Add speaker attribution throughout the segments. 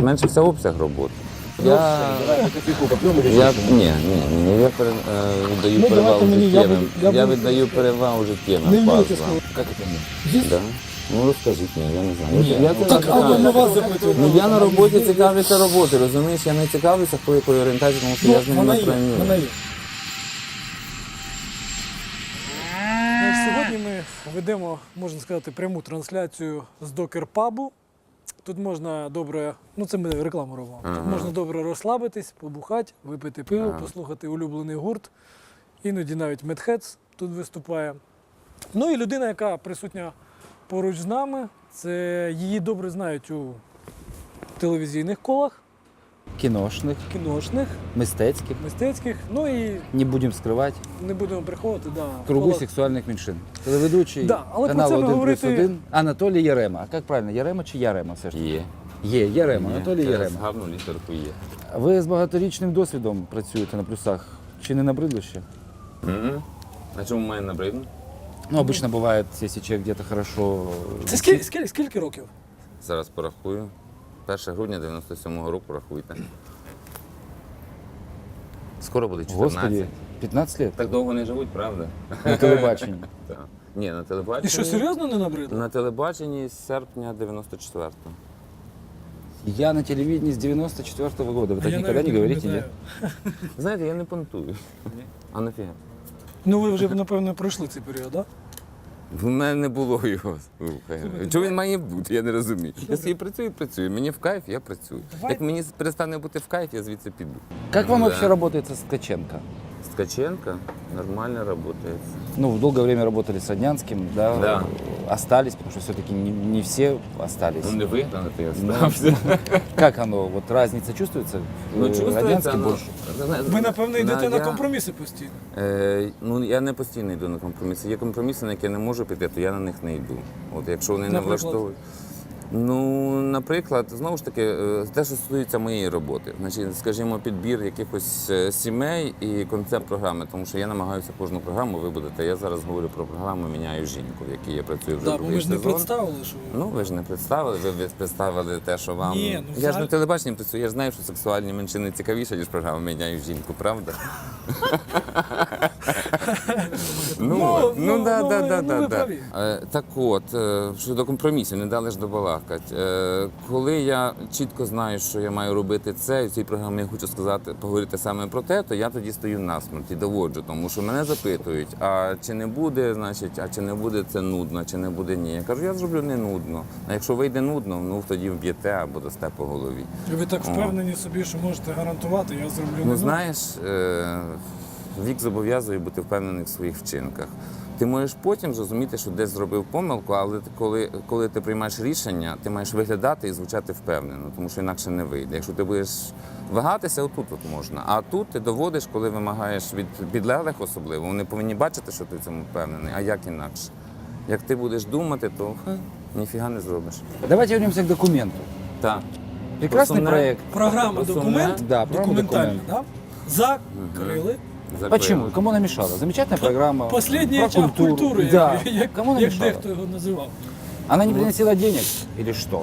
Speaker 1: зменшився обсяг роботи.
Speaker 2: Ні,
Speaker 1: віддаю перевагу життєвим. Я віддаю перевагу життєвим
Speaker 2: Не вмієте
Speaker 1: фазам.
Speaker 2: сказати.
Speaker 3: Как это нет?
Speaker 1: Да? Ну розкажіть мені, я не знаю.
Speaker 3: Ні.
Speaker 1: Я
Speaker 2: Так, а на вас запитую.
Speaker 1: Ну я на роботі цікавлюся роботою, розумієш? Я не цікавлюся, хто якої орієнтації, тому що я з ним
Speaker 2: Вона
Speaker 1: не
Speaker 2: є,
Speaker 1: пройму.
Speaker 2: вона є. Сьогодні ми ведемо, можна сказати, пряму трансляцію з докер-пабу. Тут можна добре, ну це ми рекламу робимо. Тут можна добре розслабитись, побухати, випити пиво, послухати улюблений гурт. Іноді навіть Медхедс тут виступає. Ну і людина, яка присутня поруч з нами, це її добре знають у телевізійних колах,
Speaker 3: Киношных,
Speaker 2: кіношних,
Speaker 3: мистецьких.
Speaker 2: мистецьких. Ну і
Speaker 3: Не будем скрывать.
Speaker 2: не будемо приховувати, да,
Speaker 3: Кругу
Speaker 2: колах.
Speaker 3: сексуальних меншин. Телеведучий
Speaker 2: Да, але про
Speaker 3: каналу
Speaker 2: це ми
Speaker 3: 1+1 Анатолій Ярема. А як правильно, Ярема чи Ярема все ж?
Speaker 1: Є.
Speaker 3: Ярема, Анатолій
Speaker 1: Через
Speaker 3: Ярема.
Speaker 1: гарну літерку є.
Speaker 3: Ви з багаторічним досвідом працюєте на плюсах. Чи не набридло ще?
Speaker 1: А чому має набридно?
Speaker 3: Ну, обычно бывает, если человек где-то хорошо...
Speaker 2: Це скільки років?
Speaker 1: Зараз порахую. 1 грудня 97-го року рахуйте. Скоро буде 14.
Speaker 3: Господи, 15 лет?
Speaker 1: Так довго не живуть, правда?
Speaker 3: На телебаченні.
Speaker 1: Так. Ні, на телебаченні.
Speaker 2: І що, серйозно не набридло?
Speaker 1: На телебаченні з серпня 94-го.
Speaker 3: Я на телевидении с 94-го года. Вы
Speaker 2: А
Speaker 3: так
Speaker 2: я
Speaker 3: никогда
Speaker 2: навіть
Speaker 3: не говорите,
Speaker 2: пам'ятаю.
Speaker 3: нет?
Speaker 1: Знаєте, я не понтую. А нафіга?
Speaker 2: Ну ви вже, напевно, пройшли цей період, так?
Speaker 1: В мене не було його. Слухай. Чого він має бути, я не розумію. Я собі працюю. Мені в кайф, я працюю.
Speaker 2: Давай.
Speaker 1: Як мені перестане бути в кайф, я звідси піду.
Speaker 3: Как вам
Speaker 1: Да.
Speaker 3: вообще работается с Ткаченко?
Speaker 1: Ткаченко нормально працює.
Speaker 3: Ну, в долгое время работали с Роднянским, да?
Speaker 1: Да.
Speaker 3: Остались, потому что все-таки не все остались.
Speaker 1: Ну не вигнано, ти остався.
Speaker 3: Как оно, вот разница чувствуется? Роднянский больше.
Speaker 2: Ви, напевно, йдете на компроміси постійно.
Speaker 1: Ну, я не постійно йду на компроміси. Є компроміси, на які я не можу піти, то я на них не йду. От якщо вони не
Speaker 2: Наприклад?
Speaker 1: влаштовують. Ну, наприклад, знову ж таки, те, що стосується моєї роботи, значить, скажімо, підбір якихось сімей і концепт програми, тому що я намагаюся кожну програму вибудити. Я зараз говорю про програму «Міняю жінку», в якій я працюю вже
Speaker 2: Так, бо
Speaker 1: другий
Speaker 2: ми ж не
Speaker 1: сезон.
Speaker 2: представили, що
Speaker 1: Ну, ви ж не представили, ви представили те, що вам.
Speaker 2: Ні, ну,
Speaker 1: Я ж
Speaker 2: взагалі-
Speaker 1: на телебаченні працюю, я ж знаю, що сексуальні меншини цікавіше, ніж програма «Міняю жінку», правда?
Speaker 2: Ну,
Speaker 1: да.
Speaker 2: ви праві.
Speaker 1: Так от, щодо компромісів, не дали ж добалакати. Коли я чітко знаю, що я маю робити це, і в цій програмі я хочу сказати, поговорити саме про те, то я тоді стою насмерть і доводжу, тому що мене запитують, а чи не буде, значить, а чи не буде це нудно, чи не буде ні. Я кажу, я зроблю не нудно. А якщо вийде нудно, ну тоді вб'єте або дасте по голові.
Speaker 2: ви так впевнені собі, що можете гарантувати, я зроблю
Speaker 1: Ну
Speaker 2: не
Speaker 1: знаєш, вік зобов'язує бути впевнений в своїх вчинках. Ти можеш потім зрозуміти, що десь зробив помилку, але коли ти приймаєш рішення, ти маєш виглядати і звучати впевнено, тому що інакше не вийде. Якщо ти будеш вагатися, отут от можна. А тут ти доводиш, коли вимагаєш від підлеглих особливо, вони повинні бачити, що ти в цьому впевнений, а як інакше. Як ти будеш думати, то ніфіга не зробиш.
Speaker 3: Давайте вернемся к документу.
Speaker 1: Так.
Speaker 3: Прекрасный
Speaker 1: Сумне.
Speaker 3: проект.
Speaker 2: Програма
Speaker 1: Просто
Speaker 2: «Документ»,
Speaker 3: Да, програма
Speaker 2: документальна,
Speaker 3: «Документ».
Speaker 2: да? Закрили.
Speaker 3: Почему? Кому она мешала? Замечательная программа.
Speaker 2: Последній
Speaker 3: про
Speaker 2: очаг культури,
Speaker 3: Да. Кому она
Speaker 2: як
Speaker 3: мешала?
Speaker 2: дехто його називав.
Speaker 3: Она не приносила денег или что?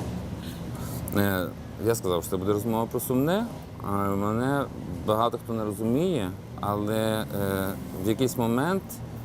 Speaker 1: Я сказав, що це буде розмова про сумне, а мене багато хто не розуміє, але в якийсь момент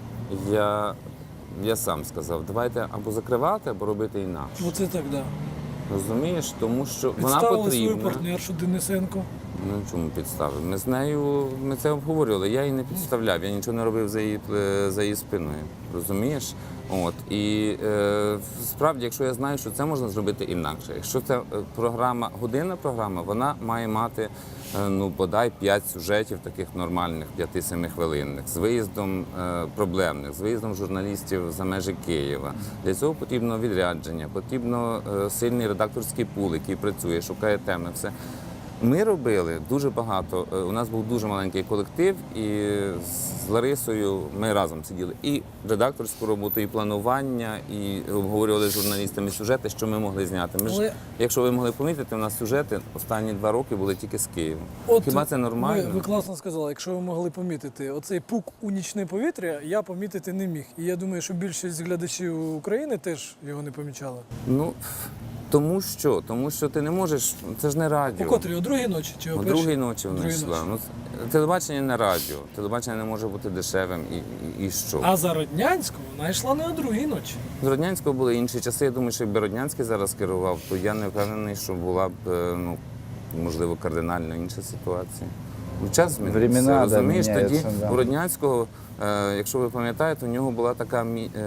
Speaker 1: я сам сказав, давайте або закривати, або робити інакше.
Speaker 2: Оце так, да.
Speaker 1: Розумієш? Тому що вона
Speaker 2: Підставили свою
Speaker 1: потрібна.
Speaker 2: партнершу Денисенко.
Speaker 1: Ну чому підставив? Ми це обговорювали. Я її не підставляв, я нічого не робив за її спиною. Розумієш? От і справді, якщо я знаю, що це можна зробити інакше. Якщо це годинна програма, вона має мати бодай 5 сюжетів таких нормальних, 5-7 хвилинних, з виїздом проблемних, з виїздом журналістів за межі Києва. Для цього потрібно відрядження, потрібно сильний редакторський пул, який працює, шукає теми, все. Ми робили дуже багато. У нас був дуже маленький колектив, і з Ларисою ми разом сиділи і редакторську роботу, і планування, і обговорювали з журналістами сюжети, що ми могли зняти. Якщо ви могли помітити, у нас сюжети останні 2 роки були тільки з Києва. Хіба це нормально?
Speaker 2: Ви класно сказали, якщо ви могли помітити, оцей пук у нічне повітря я помітити не міг. І я думаю, що більшість глядачів України теж його не помічали.
Speaker 1: Ну, Тому що ти не можеш, це ж не
Speaker 2: О
Speaker 1: радіо.
Speaker 2: котрій? О другій ночі чи о
Speaker 1: О
Speaker 2: першій?
Speaker 1: другій ночі вона
Speaker 2: Другій
Speaker 1: йшла.
Speaker 2: ночі.
Speaker 1: Ну, телебачення не радіо. Телебачення не може бути дешевим і що.
Speaker 2: А за Роднянську вона йшла не о другій ночі.
Speaker 1: З Роднянського були інші часи. Я думаю, що якби Роднянський зараз керував, то я не впевнений, що була б, ну, можливо, кардинально інша ситуація. Ну, час змінився,
Speaker 3: Времена, да,
Speaker 1: розумієш? Тоді
Speaker 3: міняються, да.
Speaker 1: у Роднянського, якщо ви пам'ятаєте, у нього була така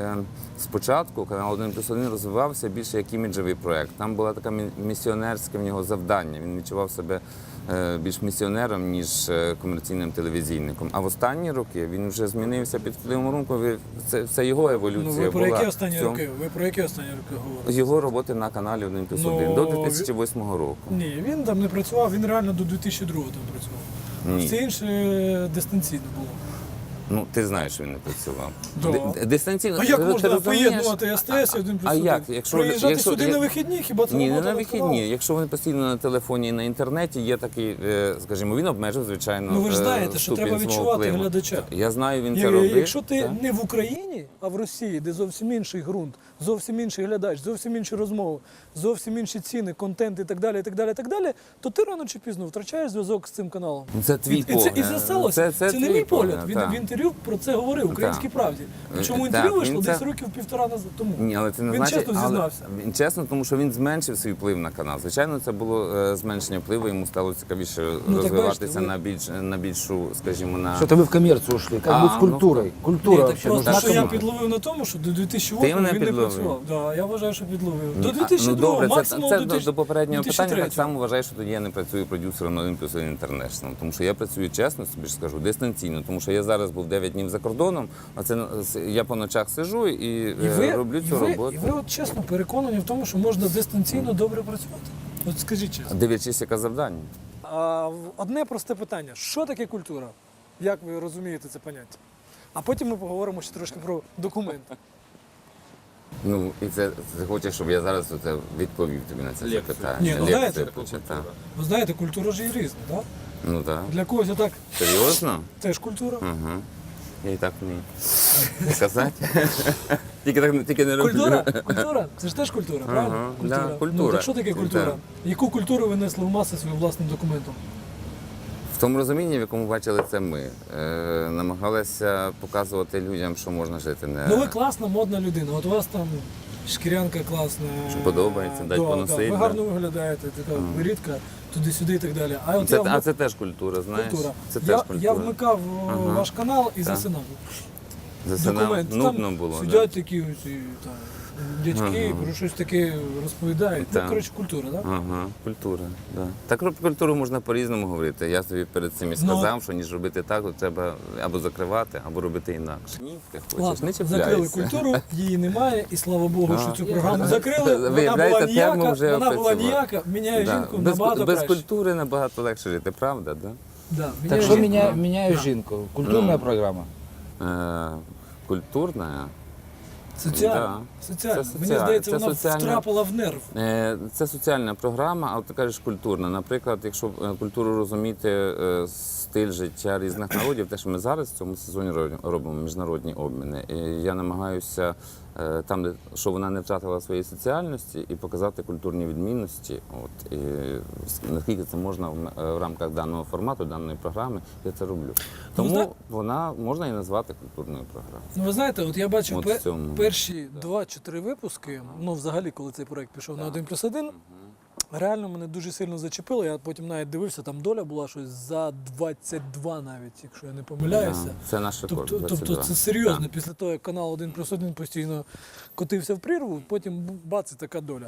Speaker 1: спочатку канал 1+1 розвивався більше як іміджевий проєкт. Там була така місіонерське в нього завдання. Він відчував себе більш місіонером, ніж комерційним телевізійником. А в останні роки він вже змінився під впливом ринку. Це його
Speaker 2: Ну
Speaker 1: еволюція
Speaker 2: ви про
Speaker 1: була.
Speaker 2: які останні
Speaker 1: в цьому.
Speaker 2: роки? Ви про які останні роки говорите?
Speaker 1: Його роботи на каналі 1+1
Speaker 2: Ну,
Speaker 1: до 2008 року.
Speaker 2: Ні, він там не працював, він реально до 2002 там працював.
Speaker 1: Ні.
Speaker 2: Все інше дистанційно було.
Speaker 1: Ну, ти знаєш, що він не працював.
Speaker 2: Да.
Speaker 1: Дистанційно.
Speaker 2: А як
Speaker 1: ти
Speaker 2: можна
Speaker 1: розумієш?
Speaker 2: поєднувати СТС і 1+1?
Speaker 1: А як? Якщо-
Speaker 2: Приїжджати
Speaker 1: якщо-
Speaker 2: сюди на вихідні, хіба це
Speaker 1: Ні, не
Speaker 2: робота
Speaker 1: на
Speaker 2: каналу?
Speaker 1: вихідні. Якщо вони постійно на телефоні і на інтернеті, є такий, скажімо, він обмежив, звичайно.
Speaker 2: Ну ви ж знаєте, що
Speaker 1: ступінь
Speaker 2: треба
Speaker 1: свого
Speaker 2: відчувати
Speaker 1: впливу.
Speaker 2: глядача.
Speaker 1: Я знаю, він це робив.
Speaker 2: Якщо ти
Speaker 1: так.
Speaker 2: не в Україні, а в Росії, де зовсім інший ґрунт, зовсім інший глядач, зовсім інші розмови, зовсім інші ціни, контент і так далі, і так далі, і так далі, то ти рано чи пізно втрачаєш зв'язок з цим каналом.
Speaker 1: Ну, це твій
Speaker 2: І це,
Speaker 1: погляд.
Speaker 2: і це сталося. Це не
Speaker 1: твій
Speaker 2: мій погляд. Він
Speaker 1: так.
Speaker 2: в інтерв'ю про це говорив, Українській правді. Причому
Speaker 1: Так,
Speaker 2: інтерв'ю
Speaker 1: він
Speaker 2: вийшло
Speaker 1: це-
Speaker 2: десь років півтора назад тому.
Speaker 1: Ні, але це не
Speaker 2: Він
Speaker 1: значить,
Speaker 2: чесно
Speaker 1: але
Speaker 2: зізнався.
Speaker 1: Він чесно, тому що він зменшив свій вплив на канал. Звичайно, це було зменшення впливу, йому стало цікавіше
Speaker 2: Ну, так
Speaker 1: розвиватися
Speaker 2: бачите,
Speaker 1: на більшу, скажімо, на
Speaker 3: Что-то вы в коммерцию ушли. Как быть с
Speaker 1: ну,
Speaker 3: культурой?
Speaker 2: Ні,
Speaker 3: Культура
Speaker 2: так
Speaker 3: вообще
Speaker 2: просто,
Speaker 3: нужна
Speaker 2: що я
Speaker 3: кому?
Speaker 2: підловив на тому, що до
Speaker 1: Ти
Speaker 2: 2008
Speaker 1: мене
Speaker 2: він не
Speaker 1: підловив?
Speaker 2: працював. Да, я вважаю, що підловив. До
Speaker 1: Ну,
Speaker 2: 2002,
Speaker 1: добре,
Speaker 2: максимум
Speaker 1: це
Speaker 2: до 2000,
Speaker 1: до попереднього питання
Speaker 2: 2003.
Speaker 1: так само вважаю, що тоді я не працюю продюсером на 1+1 International, тому що я працюю чесно, собі ж скажу, дистанційно, тому що я зараз був 9 днів за кордоном, а це я по ночах сиджу і роблю цю роботу.
Speaker 2: І ви от чесно переконані в тому, що можна дистанційно добре працювати? От скажіть чесно.
Speaker 1: Дивлячись, яке завдання.
Speaker 2: Одне просте питання. Що таке культура? Як ви розумієте це поняття? А потім ми поговоримо ще трошки про документи.
Speaker 1: Ну, і ти хочеш, щоб я зараз оце відповів тобі на це запитання.
Speaker 2: Ні, ну, знаєте,
Speaker 1: Лекцію почитав.
Speaker 2: Ви знаєте, культура ж є різна, так?
Speaker 1: Ну так.
Speaker 2: Для когось так
Speaker 1: Серйозно?
Speaker 2: теж культура.
Speaker 1: Угу. Я і так вмію. Сказати? Тільки не роблю.
Speaker 2: Культура? Культура? Це ж теж культура, правильно?
Speaker 1: Ага,
Speaker 2: Культура.
Speaker 1: да,
Speaker 2: Ну,
Speaker 1: культура.
Speaker 2: так що таке культура?
Speaker 1: Так.
Speaker 2: Яку культуру ви несли в маси своїм власним документом?
Speaker 1: В тому розумінні, в якому бачили це ми, намагалися показувати людям, що можна жити не
Speaker 2: Ну ви класна, модна людина. От у вас там шкірянка класна.
Speaker 1: Що подобається, дать поносить,
Speaker 2: Ви
Speaker 1: да.
Speaker 2: гарно виглядаєте, така рідка, туди-сюди і так далі. А от
Speaker 1: А це теж культура, знаєш?
Speaker 2: культура.
Speaker 1: Це теж
Speaker 2: Я
Speaker 1: культура.
Speaker 2: вмикав ваш канал і
Speaker 1: Так.
Speaker 2: засинав.
Speaker 1: Засинав.
Speaker 2: Документ.
Speaker 1: Нудно
Speaker 2: Там
Speaker 1: було.
Speaker 2: сидять такі ось, там, дядьки, про щось таке розповідають. Ну,
Speaker 1: Так.
Speaker 2: коротше, культура, так?
Speaker 1: Ага, культура. Да. Так про культуру можна по-різному говорити. Я тобі перед цим і сказав, що ніж робити так, то треба або закривати, або робити інакше. Ні, ти хочеш,
Speaker 2: Ладно,
Speaker 1: не
Speaker 2: закрили
Speaker 1: чіпляйся.
Speaker 2: культуру, її немає, і слава Богу, що цю програму закрили. Вона
Speaker 1: Виявляється,
Speaker 2: була ніяка,
Speaker 1: тему вже
Speaker 2: вона була
Speaker 1: опрацювали.
Speaker 2: ніяка, міняє жінку
Speaker 1: Без
Speaker 2: набагато краще.
Speaker 1: культури набагато легше жити, правда? Да?
Speaker 2: Да,
Speaker 3: Так
Speaker 2: міняє
Speaker 3: что
Speaker 2: жінку.
Speaker 3: меняю жинку? Культурная программа?
Speaker 1: Культурна.
Speaker 2: Соціально.
Speaker 1: Да.
Speaker 2: Соціально.
Speaker 1: Це
Speaker 2: Мені
Speaker 1: соціально.
Speaker 2: здається,
Speaker 1: Це
Speaker 2: вона
Speaker 1: соціальна-
Speaker 2: втрапила в нерв.
Speaker 1: Це соціальна програма, а от ти кажеш культурна. Наприклад, якщо культуру розуміти, стиль життя різних народів, те, що ми зараз в цьому сезоні робимо міжнародні обміни. І я намагаюся там, що вона не втратила своєї соціальності, і показати культурні відмінності. От, і наскільки це можна в рамках даного формату, даної програми, я це роблю. Тому вона можна і назвати культурною програмою.
Speaker 2: Ну, ви знаєте, от я бачив
Speaker 1: От в цьому.
Speaker 2: перші 2 чи 3 випуски, ну взагалі, коли цей проект пішов на 1+1, реально мене дуже сильно зачепило. Я потім навіть дивився, там доля була щось за 22 навіть, якщо я не помиляюся.
Speaker 1: Да, це наш рекорд.
Speaker 2: Тобто
Speaker 1: 22.
Speaker 2: це серйозно.
Speaker 1: Так.
Speaker 2: Після того, як канал 1+1 постійно котився в прірву, потім бац, і така доля.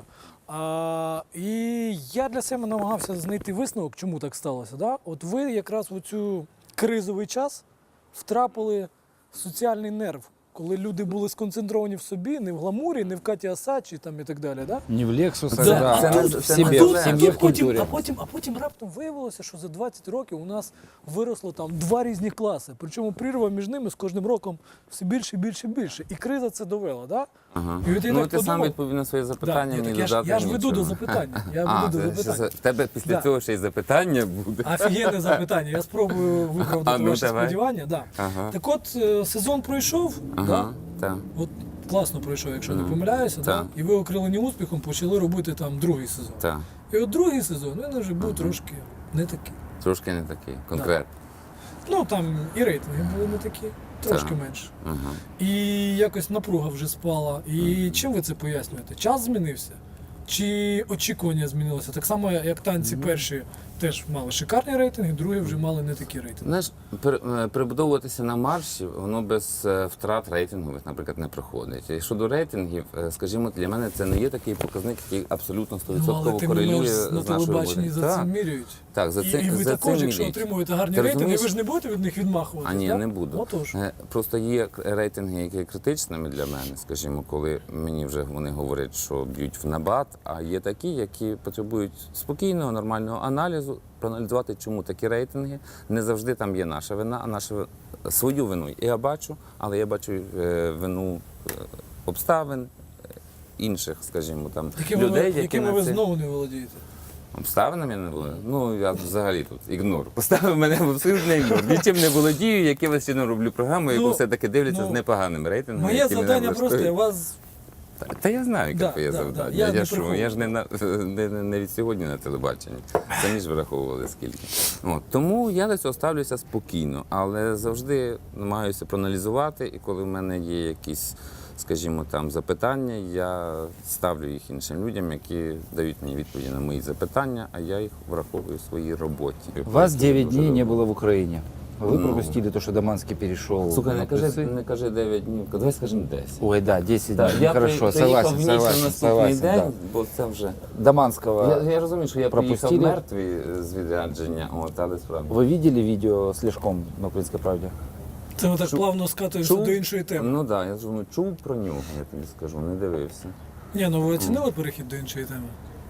Speaker 2: І я для себе намагався знайти висновок, чому так сталося. Да? От ви якраз в цю кризовий час втрапили в соціальний нерв, коли люди були сконцентровані в собі, не в гламурі, не в Каті Асачі там і так далі. Да?
Speaker 3: Не в Лексусах,
Speaker 2: Да.
Speaker 3: да,
Speaker 1: Це
Speaker 3: а
Speaker 1: не-
Speaker 3: в
Speaker 1: це
Speaker 3: себе,
Speaker 1: не
Speaker 3: в
Speaker 1: це.
Speaker 3: семье, в
Speaker 2: потім,
Speaker 3: культуре.
Speaker 2: а потім раптом виявилося, що за 20 років у нас виросло там 2 різні класи. Причому прірва між ними з кожним роком все більше і більше і більше. І криза це довела. Да?
Speaker 1: Ага.
Speaker 2: І от я
Speaker 1: Ну,
Speaker 2: так
Speaker 1: ти сам
Speaker 2: подумав.
Speaker 1: відповів на своє
Speaker 2: Да,
Speaker 1: запитання,
Speaker 2: ні,
Speaker 1: мені
Speaker 2: так
Speaker 1: додати
Speaker 2: я ж веду
Speaker 1: нічого.
Speaker 2: до запитання. Я веду до запитання.
Speaker 1: В тебе після
Speaker 2: Да.
Speaker 1: цього ще й запитання буде.
Speaker 2: Офігенне запитання. Я спробую виправдати
Speaker 1: ну,
Speaker 2: ваші
Speaker 1: давай.
Speaker 2: сподівання. Да.
Speaker 1: Ага.
Speaker 2: Так от сезон пройшов. Да?
Speaker 1: Ага, так.
Speaker 2: От класно пройшов, якщо не
Speaker 1: Мгм.
Speaker 2: помиляюся, да?
Speaker 1: Так.
Speaker 2: І ви окрилені успіхом почали робити там другий сезон.
Speaker 1: Так,
Speaker 2: І от другий сезон він вже був трошки не такий.
Speaker 1: трошки не такий, конкретно.
Speaker 2: Ну там і рейтинги були не такі, трошки
Speaker 1: Так.
Speaker 2: менше.
Speaker 1: Ага.
Speaker 2: І якось напруга вже спала. І чим ви це пояснюєте? Час змінився? Чи очікування змінилося? Так само, як танці перші теж мали шикарні рейтинги, другі вже мали не такі рейтинги.
Speaker 1: Знаєш, перебудовуватися на марші, воно без втрат рейтингових, наприклад, не проходить. І щодо рейтингів, скажімо, для мене це не є такий показник, який абсолютно 100%
Speaker 2: Ну, але тим не
Speaker 1: корелює
Speaker 2: менш
Speaker 1: з
Speaker 2: на
Speaker 1: нашою
Speaker 2: телебаченні
Speaker 1: роботою.
Speaker 2: за це міряють.
Speaker 1: Так, за це,
Speaker 2: І ви
Speaker 1: за
Speaker 2: також,
Speaker 1: це
Speaker 2: якщо
Speaker 1: міряють.
Speaker 2: отримуєте гарні
Speaker 1: Ти
Speaker 2: рейтинги,
Speaker 1: розумієш?
Speaker 2: ви ж не будете від них відмахуватися.
Speaker 1: А ні,
Speaker 2: так?
Speaker 1: не буду.
Speaker 2: Отож.
Speaker 1: Просто є рейтинги, які є критичними для мене, скажімо, коли мені вже вони говорять, що б'ють в набат, а є такі, які потребують спокійного, нормального аналізу, проаналізувати, чому такі рейтинги. Не завжди там є наша вина, а нашу свою вину я бачу, але я бачу вину обставин інших, скажімо, там людей, які
Speaker 2: якими
Speaker 1: на
Speaker 2: ви
Speaker 1: це...
Speaker 2: знову не володієте.
Speaker 1: Обставинами не було. Ну, я взагалі тут ігнор. Поставив мене в абсолютний ігнор. Нічим не володію, якимось чином роблю програму, яку
Speaker 2: Ну,
Speaker 1: все-таки дивляться
Speaker 2: ну,
Speaker 1: з непоганим рейтингом.
Speaker 2: Моє
Speaker 1: які мене
Speaker 2: завдання просто, я
Speaker 1: влаштують.
Speaker 2: вас
Speaker 1: Та я знаю, яке
Speaker 2: Да,
Speaker 1: твоє
Speaker 2: да,
Speaker 1: завдання.
Speaker 2: да. Я не
Speaker 1: що,
Speaker 2: приховую.
Speaker 1: я ж не від сьогодні на телебаченні. Самі ж враховували скільки. От, тому я до цього ставлюся спокійно, але завжди намагаюся проаналізувати, і коли в мене є якісь, скажімо, там запитання, я ставлю їх іншим людям, які дають мені відповіді на мої запитання, а я їх враховую в своїй роботі.
Speaker 3: Вас 9
Speaker 1: Дуже
Speaker 3: дней не
Speaker 1: добре.
Speaker 3: было в Украине. Вы
Speaker 1: Ну.
Speaker 3: пропустили то, что Даманский перешел
Speaker 1: Слухай,
Speaker 3: на плюсы.
Speaker 1: не кажи 9 днів, давай скажемо 10.
Speaker 3: Ой, да, 10
Speaker 1: Так,
Speaker 3: дней.
Speaker 1: я
Speaker 3: Хорошо,
Speaker 1: приїхав
Speaker 3: согласен,
Speaker 1: в ніч на
Speaker 3: согласен,
Speaker 1: наступний
Speaker 3: согласен.
Speaker 1: день,
Speaker 3: Да.
Speaker 1: бо це вже...
Speaker 3: Даманского.
Speaker 1: Я розумію, що я приїхав
Speaker 3: пропустили.
Speaker 1: мертвий з відрядження, але справді.
Speaker 3: Вы видели видео с Лешком на «Украинской правде»?
Speaker 2: це ми так плавно скатуємося до іншої теми.
Speaker 1: Ну так, да, я думаю, чув про нього, я тобі скажу, не дивився.
Speaker 2: Ні, ну ви оцінили перехід до іншої теми?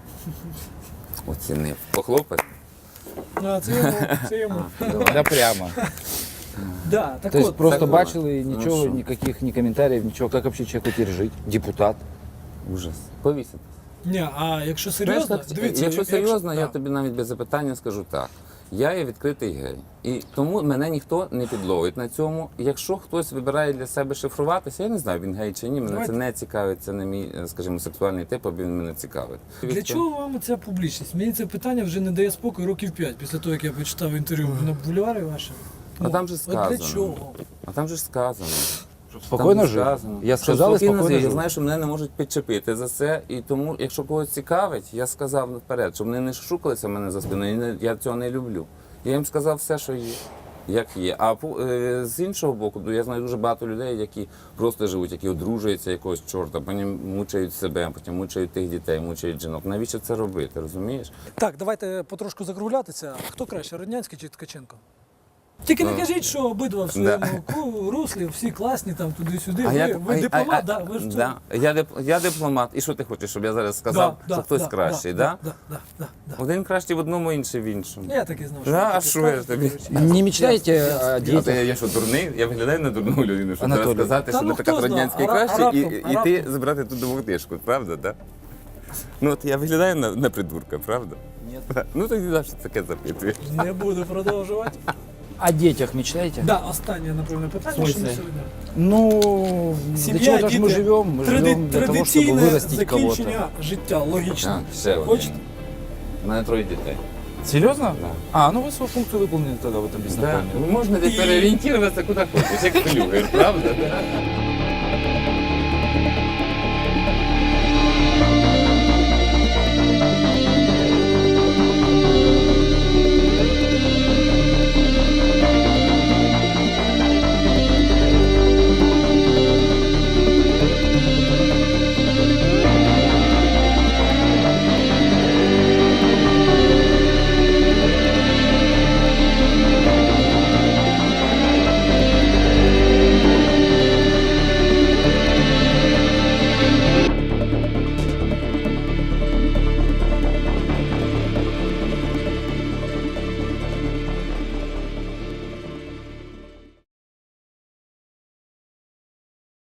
Speaker 1: Оцінив. Похлопець?
Speaker 2: А, це йому, це йому.
Speaker 3: Да прямо.
Speaker 2: Да, так
Speaker 3: То есть
Speaker 2: от,
Speaker 3: просто
Speaker 1: так,
Speaker 3: бачили,
Speaker 1: ну
Speaker 3: ничего,
Speaker 1: что?
Speaker 3: никаких ни комментариев, ничего. Как вообще человеку теперь жить? Депутат.
Speaker 1: Ужас. Повісити.
Speaker 2: ні, а якщо серйозно,
Speaker 1: Знаєш, так,
Speaker 2: дивіться,
Speaker 1: якщо серйозно, я
Speaker 2: да.
Speaker 1: тобі навіть без запитання скажу так. Я є відкритий гей. І тому мене ніхто не підловить на цьому. Якщо хтось вибирає для себе шифруватися, я не знаю, він гей чи ні, мене
Speaker 2: Давайте.
Speaker 1: це не цікавить, це не мій, скажімо, сексуальний тип, а він мене цікавить.
Speaker 2: Для чого вам ця публічність? Мені це питання вже не дає спокою років 5, після того, як я почитав інтерв'ю на бульварі ваше.
Speaker 1: А там же
Speaker 2: От
Speaker 1: сказано.
Speaker 2: для чого?
Speaker 1: А там же ж сказано.
Speaker 3: Спокойно
Speaker 1: Там
Speaker 3: жил.
Speaker 1: сказано.
Speaker 3: Я
Speaker 1: Що
Speaker 3: сказал и
Speaker 1: спокійно
Speaker 3: спокойно
Speaker 1: жив. Я
Speaker 3: жил.
Speaker 1: знаю, що мене не можуть підчепити за це. І тому, якщо когось цікавить, я сказав наперед, щоб вони не шукалися в мене за спиною. Я цього не люблю. Я їм сказав все, що є. Як є. А з іншого боку, я знаю дуже багато людей, які просто живуть, які одружуються якогось чорта, потім мучають себе, потім мучають тих дітей, мучають жінок. Навіщо це робити, розумієш?
Speaker 2: Так, давайте потрошку закруглятися. Хто краще, Роднянський чи Ткаченко? Тільки не кажіть, що обидва в своєму руслі, всі класні, там туди-сюди. Ви дипломат, да? Ви ж
Speaker 1: да. Я дипломат. І що ти хочеш, щоб я зараз сказав, що хтось кращий, да?
Speaker 2: Да.
Speaker 1: Один кращий в одному, інший в іншому.
Speaker 2: Я так і знав, що
Speaker 1: Да,
Speaker 2: ви
Speaker 1: а
Speaker 2: таке
Speaker 1: що я
Speaker 2: скажете,
Speaker 1: тобі?
Speaker 2: до речі.
Speaker 3: Не мечтаете о
Speaker 1: А
Speaker 3: детях?
Speaker 1: я що, дурний? Я виглядаю на дурну людину, щоб
Speaker 3: Анатолій.
Speaker 1: зараз сказати,
Speaker 2: Та
Speaker 1: що
Speaker 2: ну,
Speaker 1: не така
Speaker 2: хто зна,
Speaker 1: Роднянський
Speaker 2: а
Speaker 1: кращий,
Speaker 2: раптом,
Speaker 1: і
Speaker 2: а
Speaker 1: ти
Speaker 2: раптом.
Speaker 1: забрати ту двохтишку, правда, так? Ну от я виглядаю на придурка, правда? Ні. Ну тоді за що таке запитуєш?
Speaker 2: Не буду продовжувати.
Speaker 3: О детях мечтаете?
Speaker 2: Да, останнє, напевно, питання,
Speaker 1: В
Speaker 2: що
Speaker 1: смысле?
Speaker 2: ми сьогодні.
Speaker 3: Ну, для
Speaker 2: Сім'я,
Speaker 3: чего-то же мы
Speaker 2: діти,
Speaker 3: живем. Мы живем для того, чтобы
Speaker 2: традиційне
Speaker 3: вырастить кого-то.
Speaker 2: закінчення життя, логічно.
Speaker 1: Ще один.
Speaker 2: Хочете?
Speaker 1: У мене 3 дітей.
Speaker 3: Серьезно?
Speaker 1: Да.
Speaker 3: А, ну вы свою функцию выполнили тогда в этом бизнес-плане.
Speaker 1: Можна десь переорієнтуватися куди хочеш, як флюгер, правда?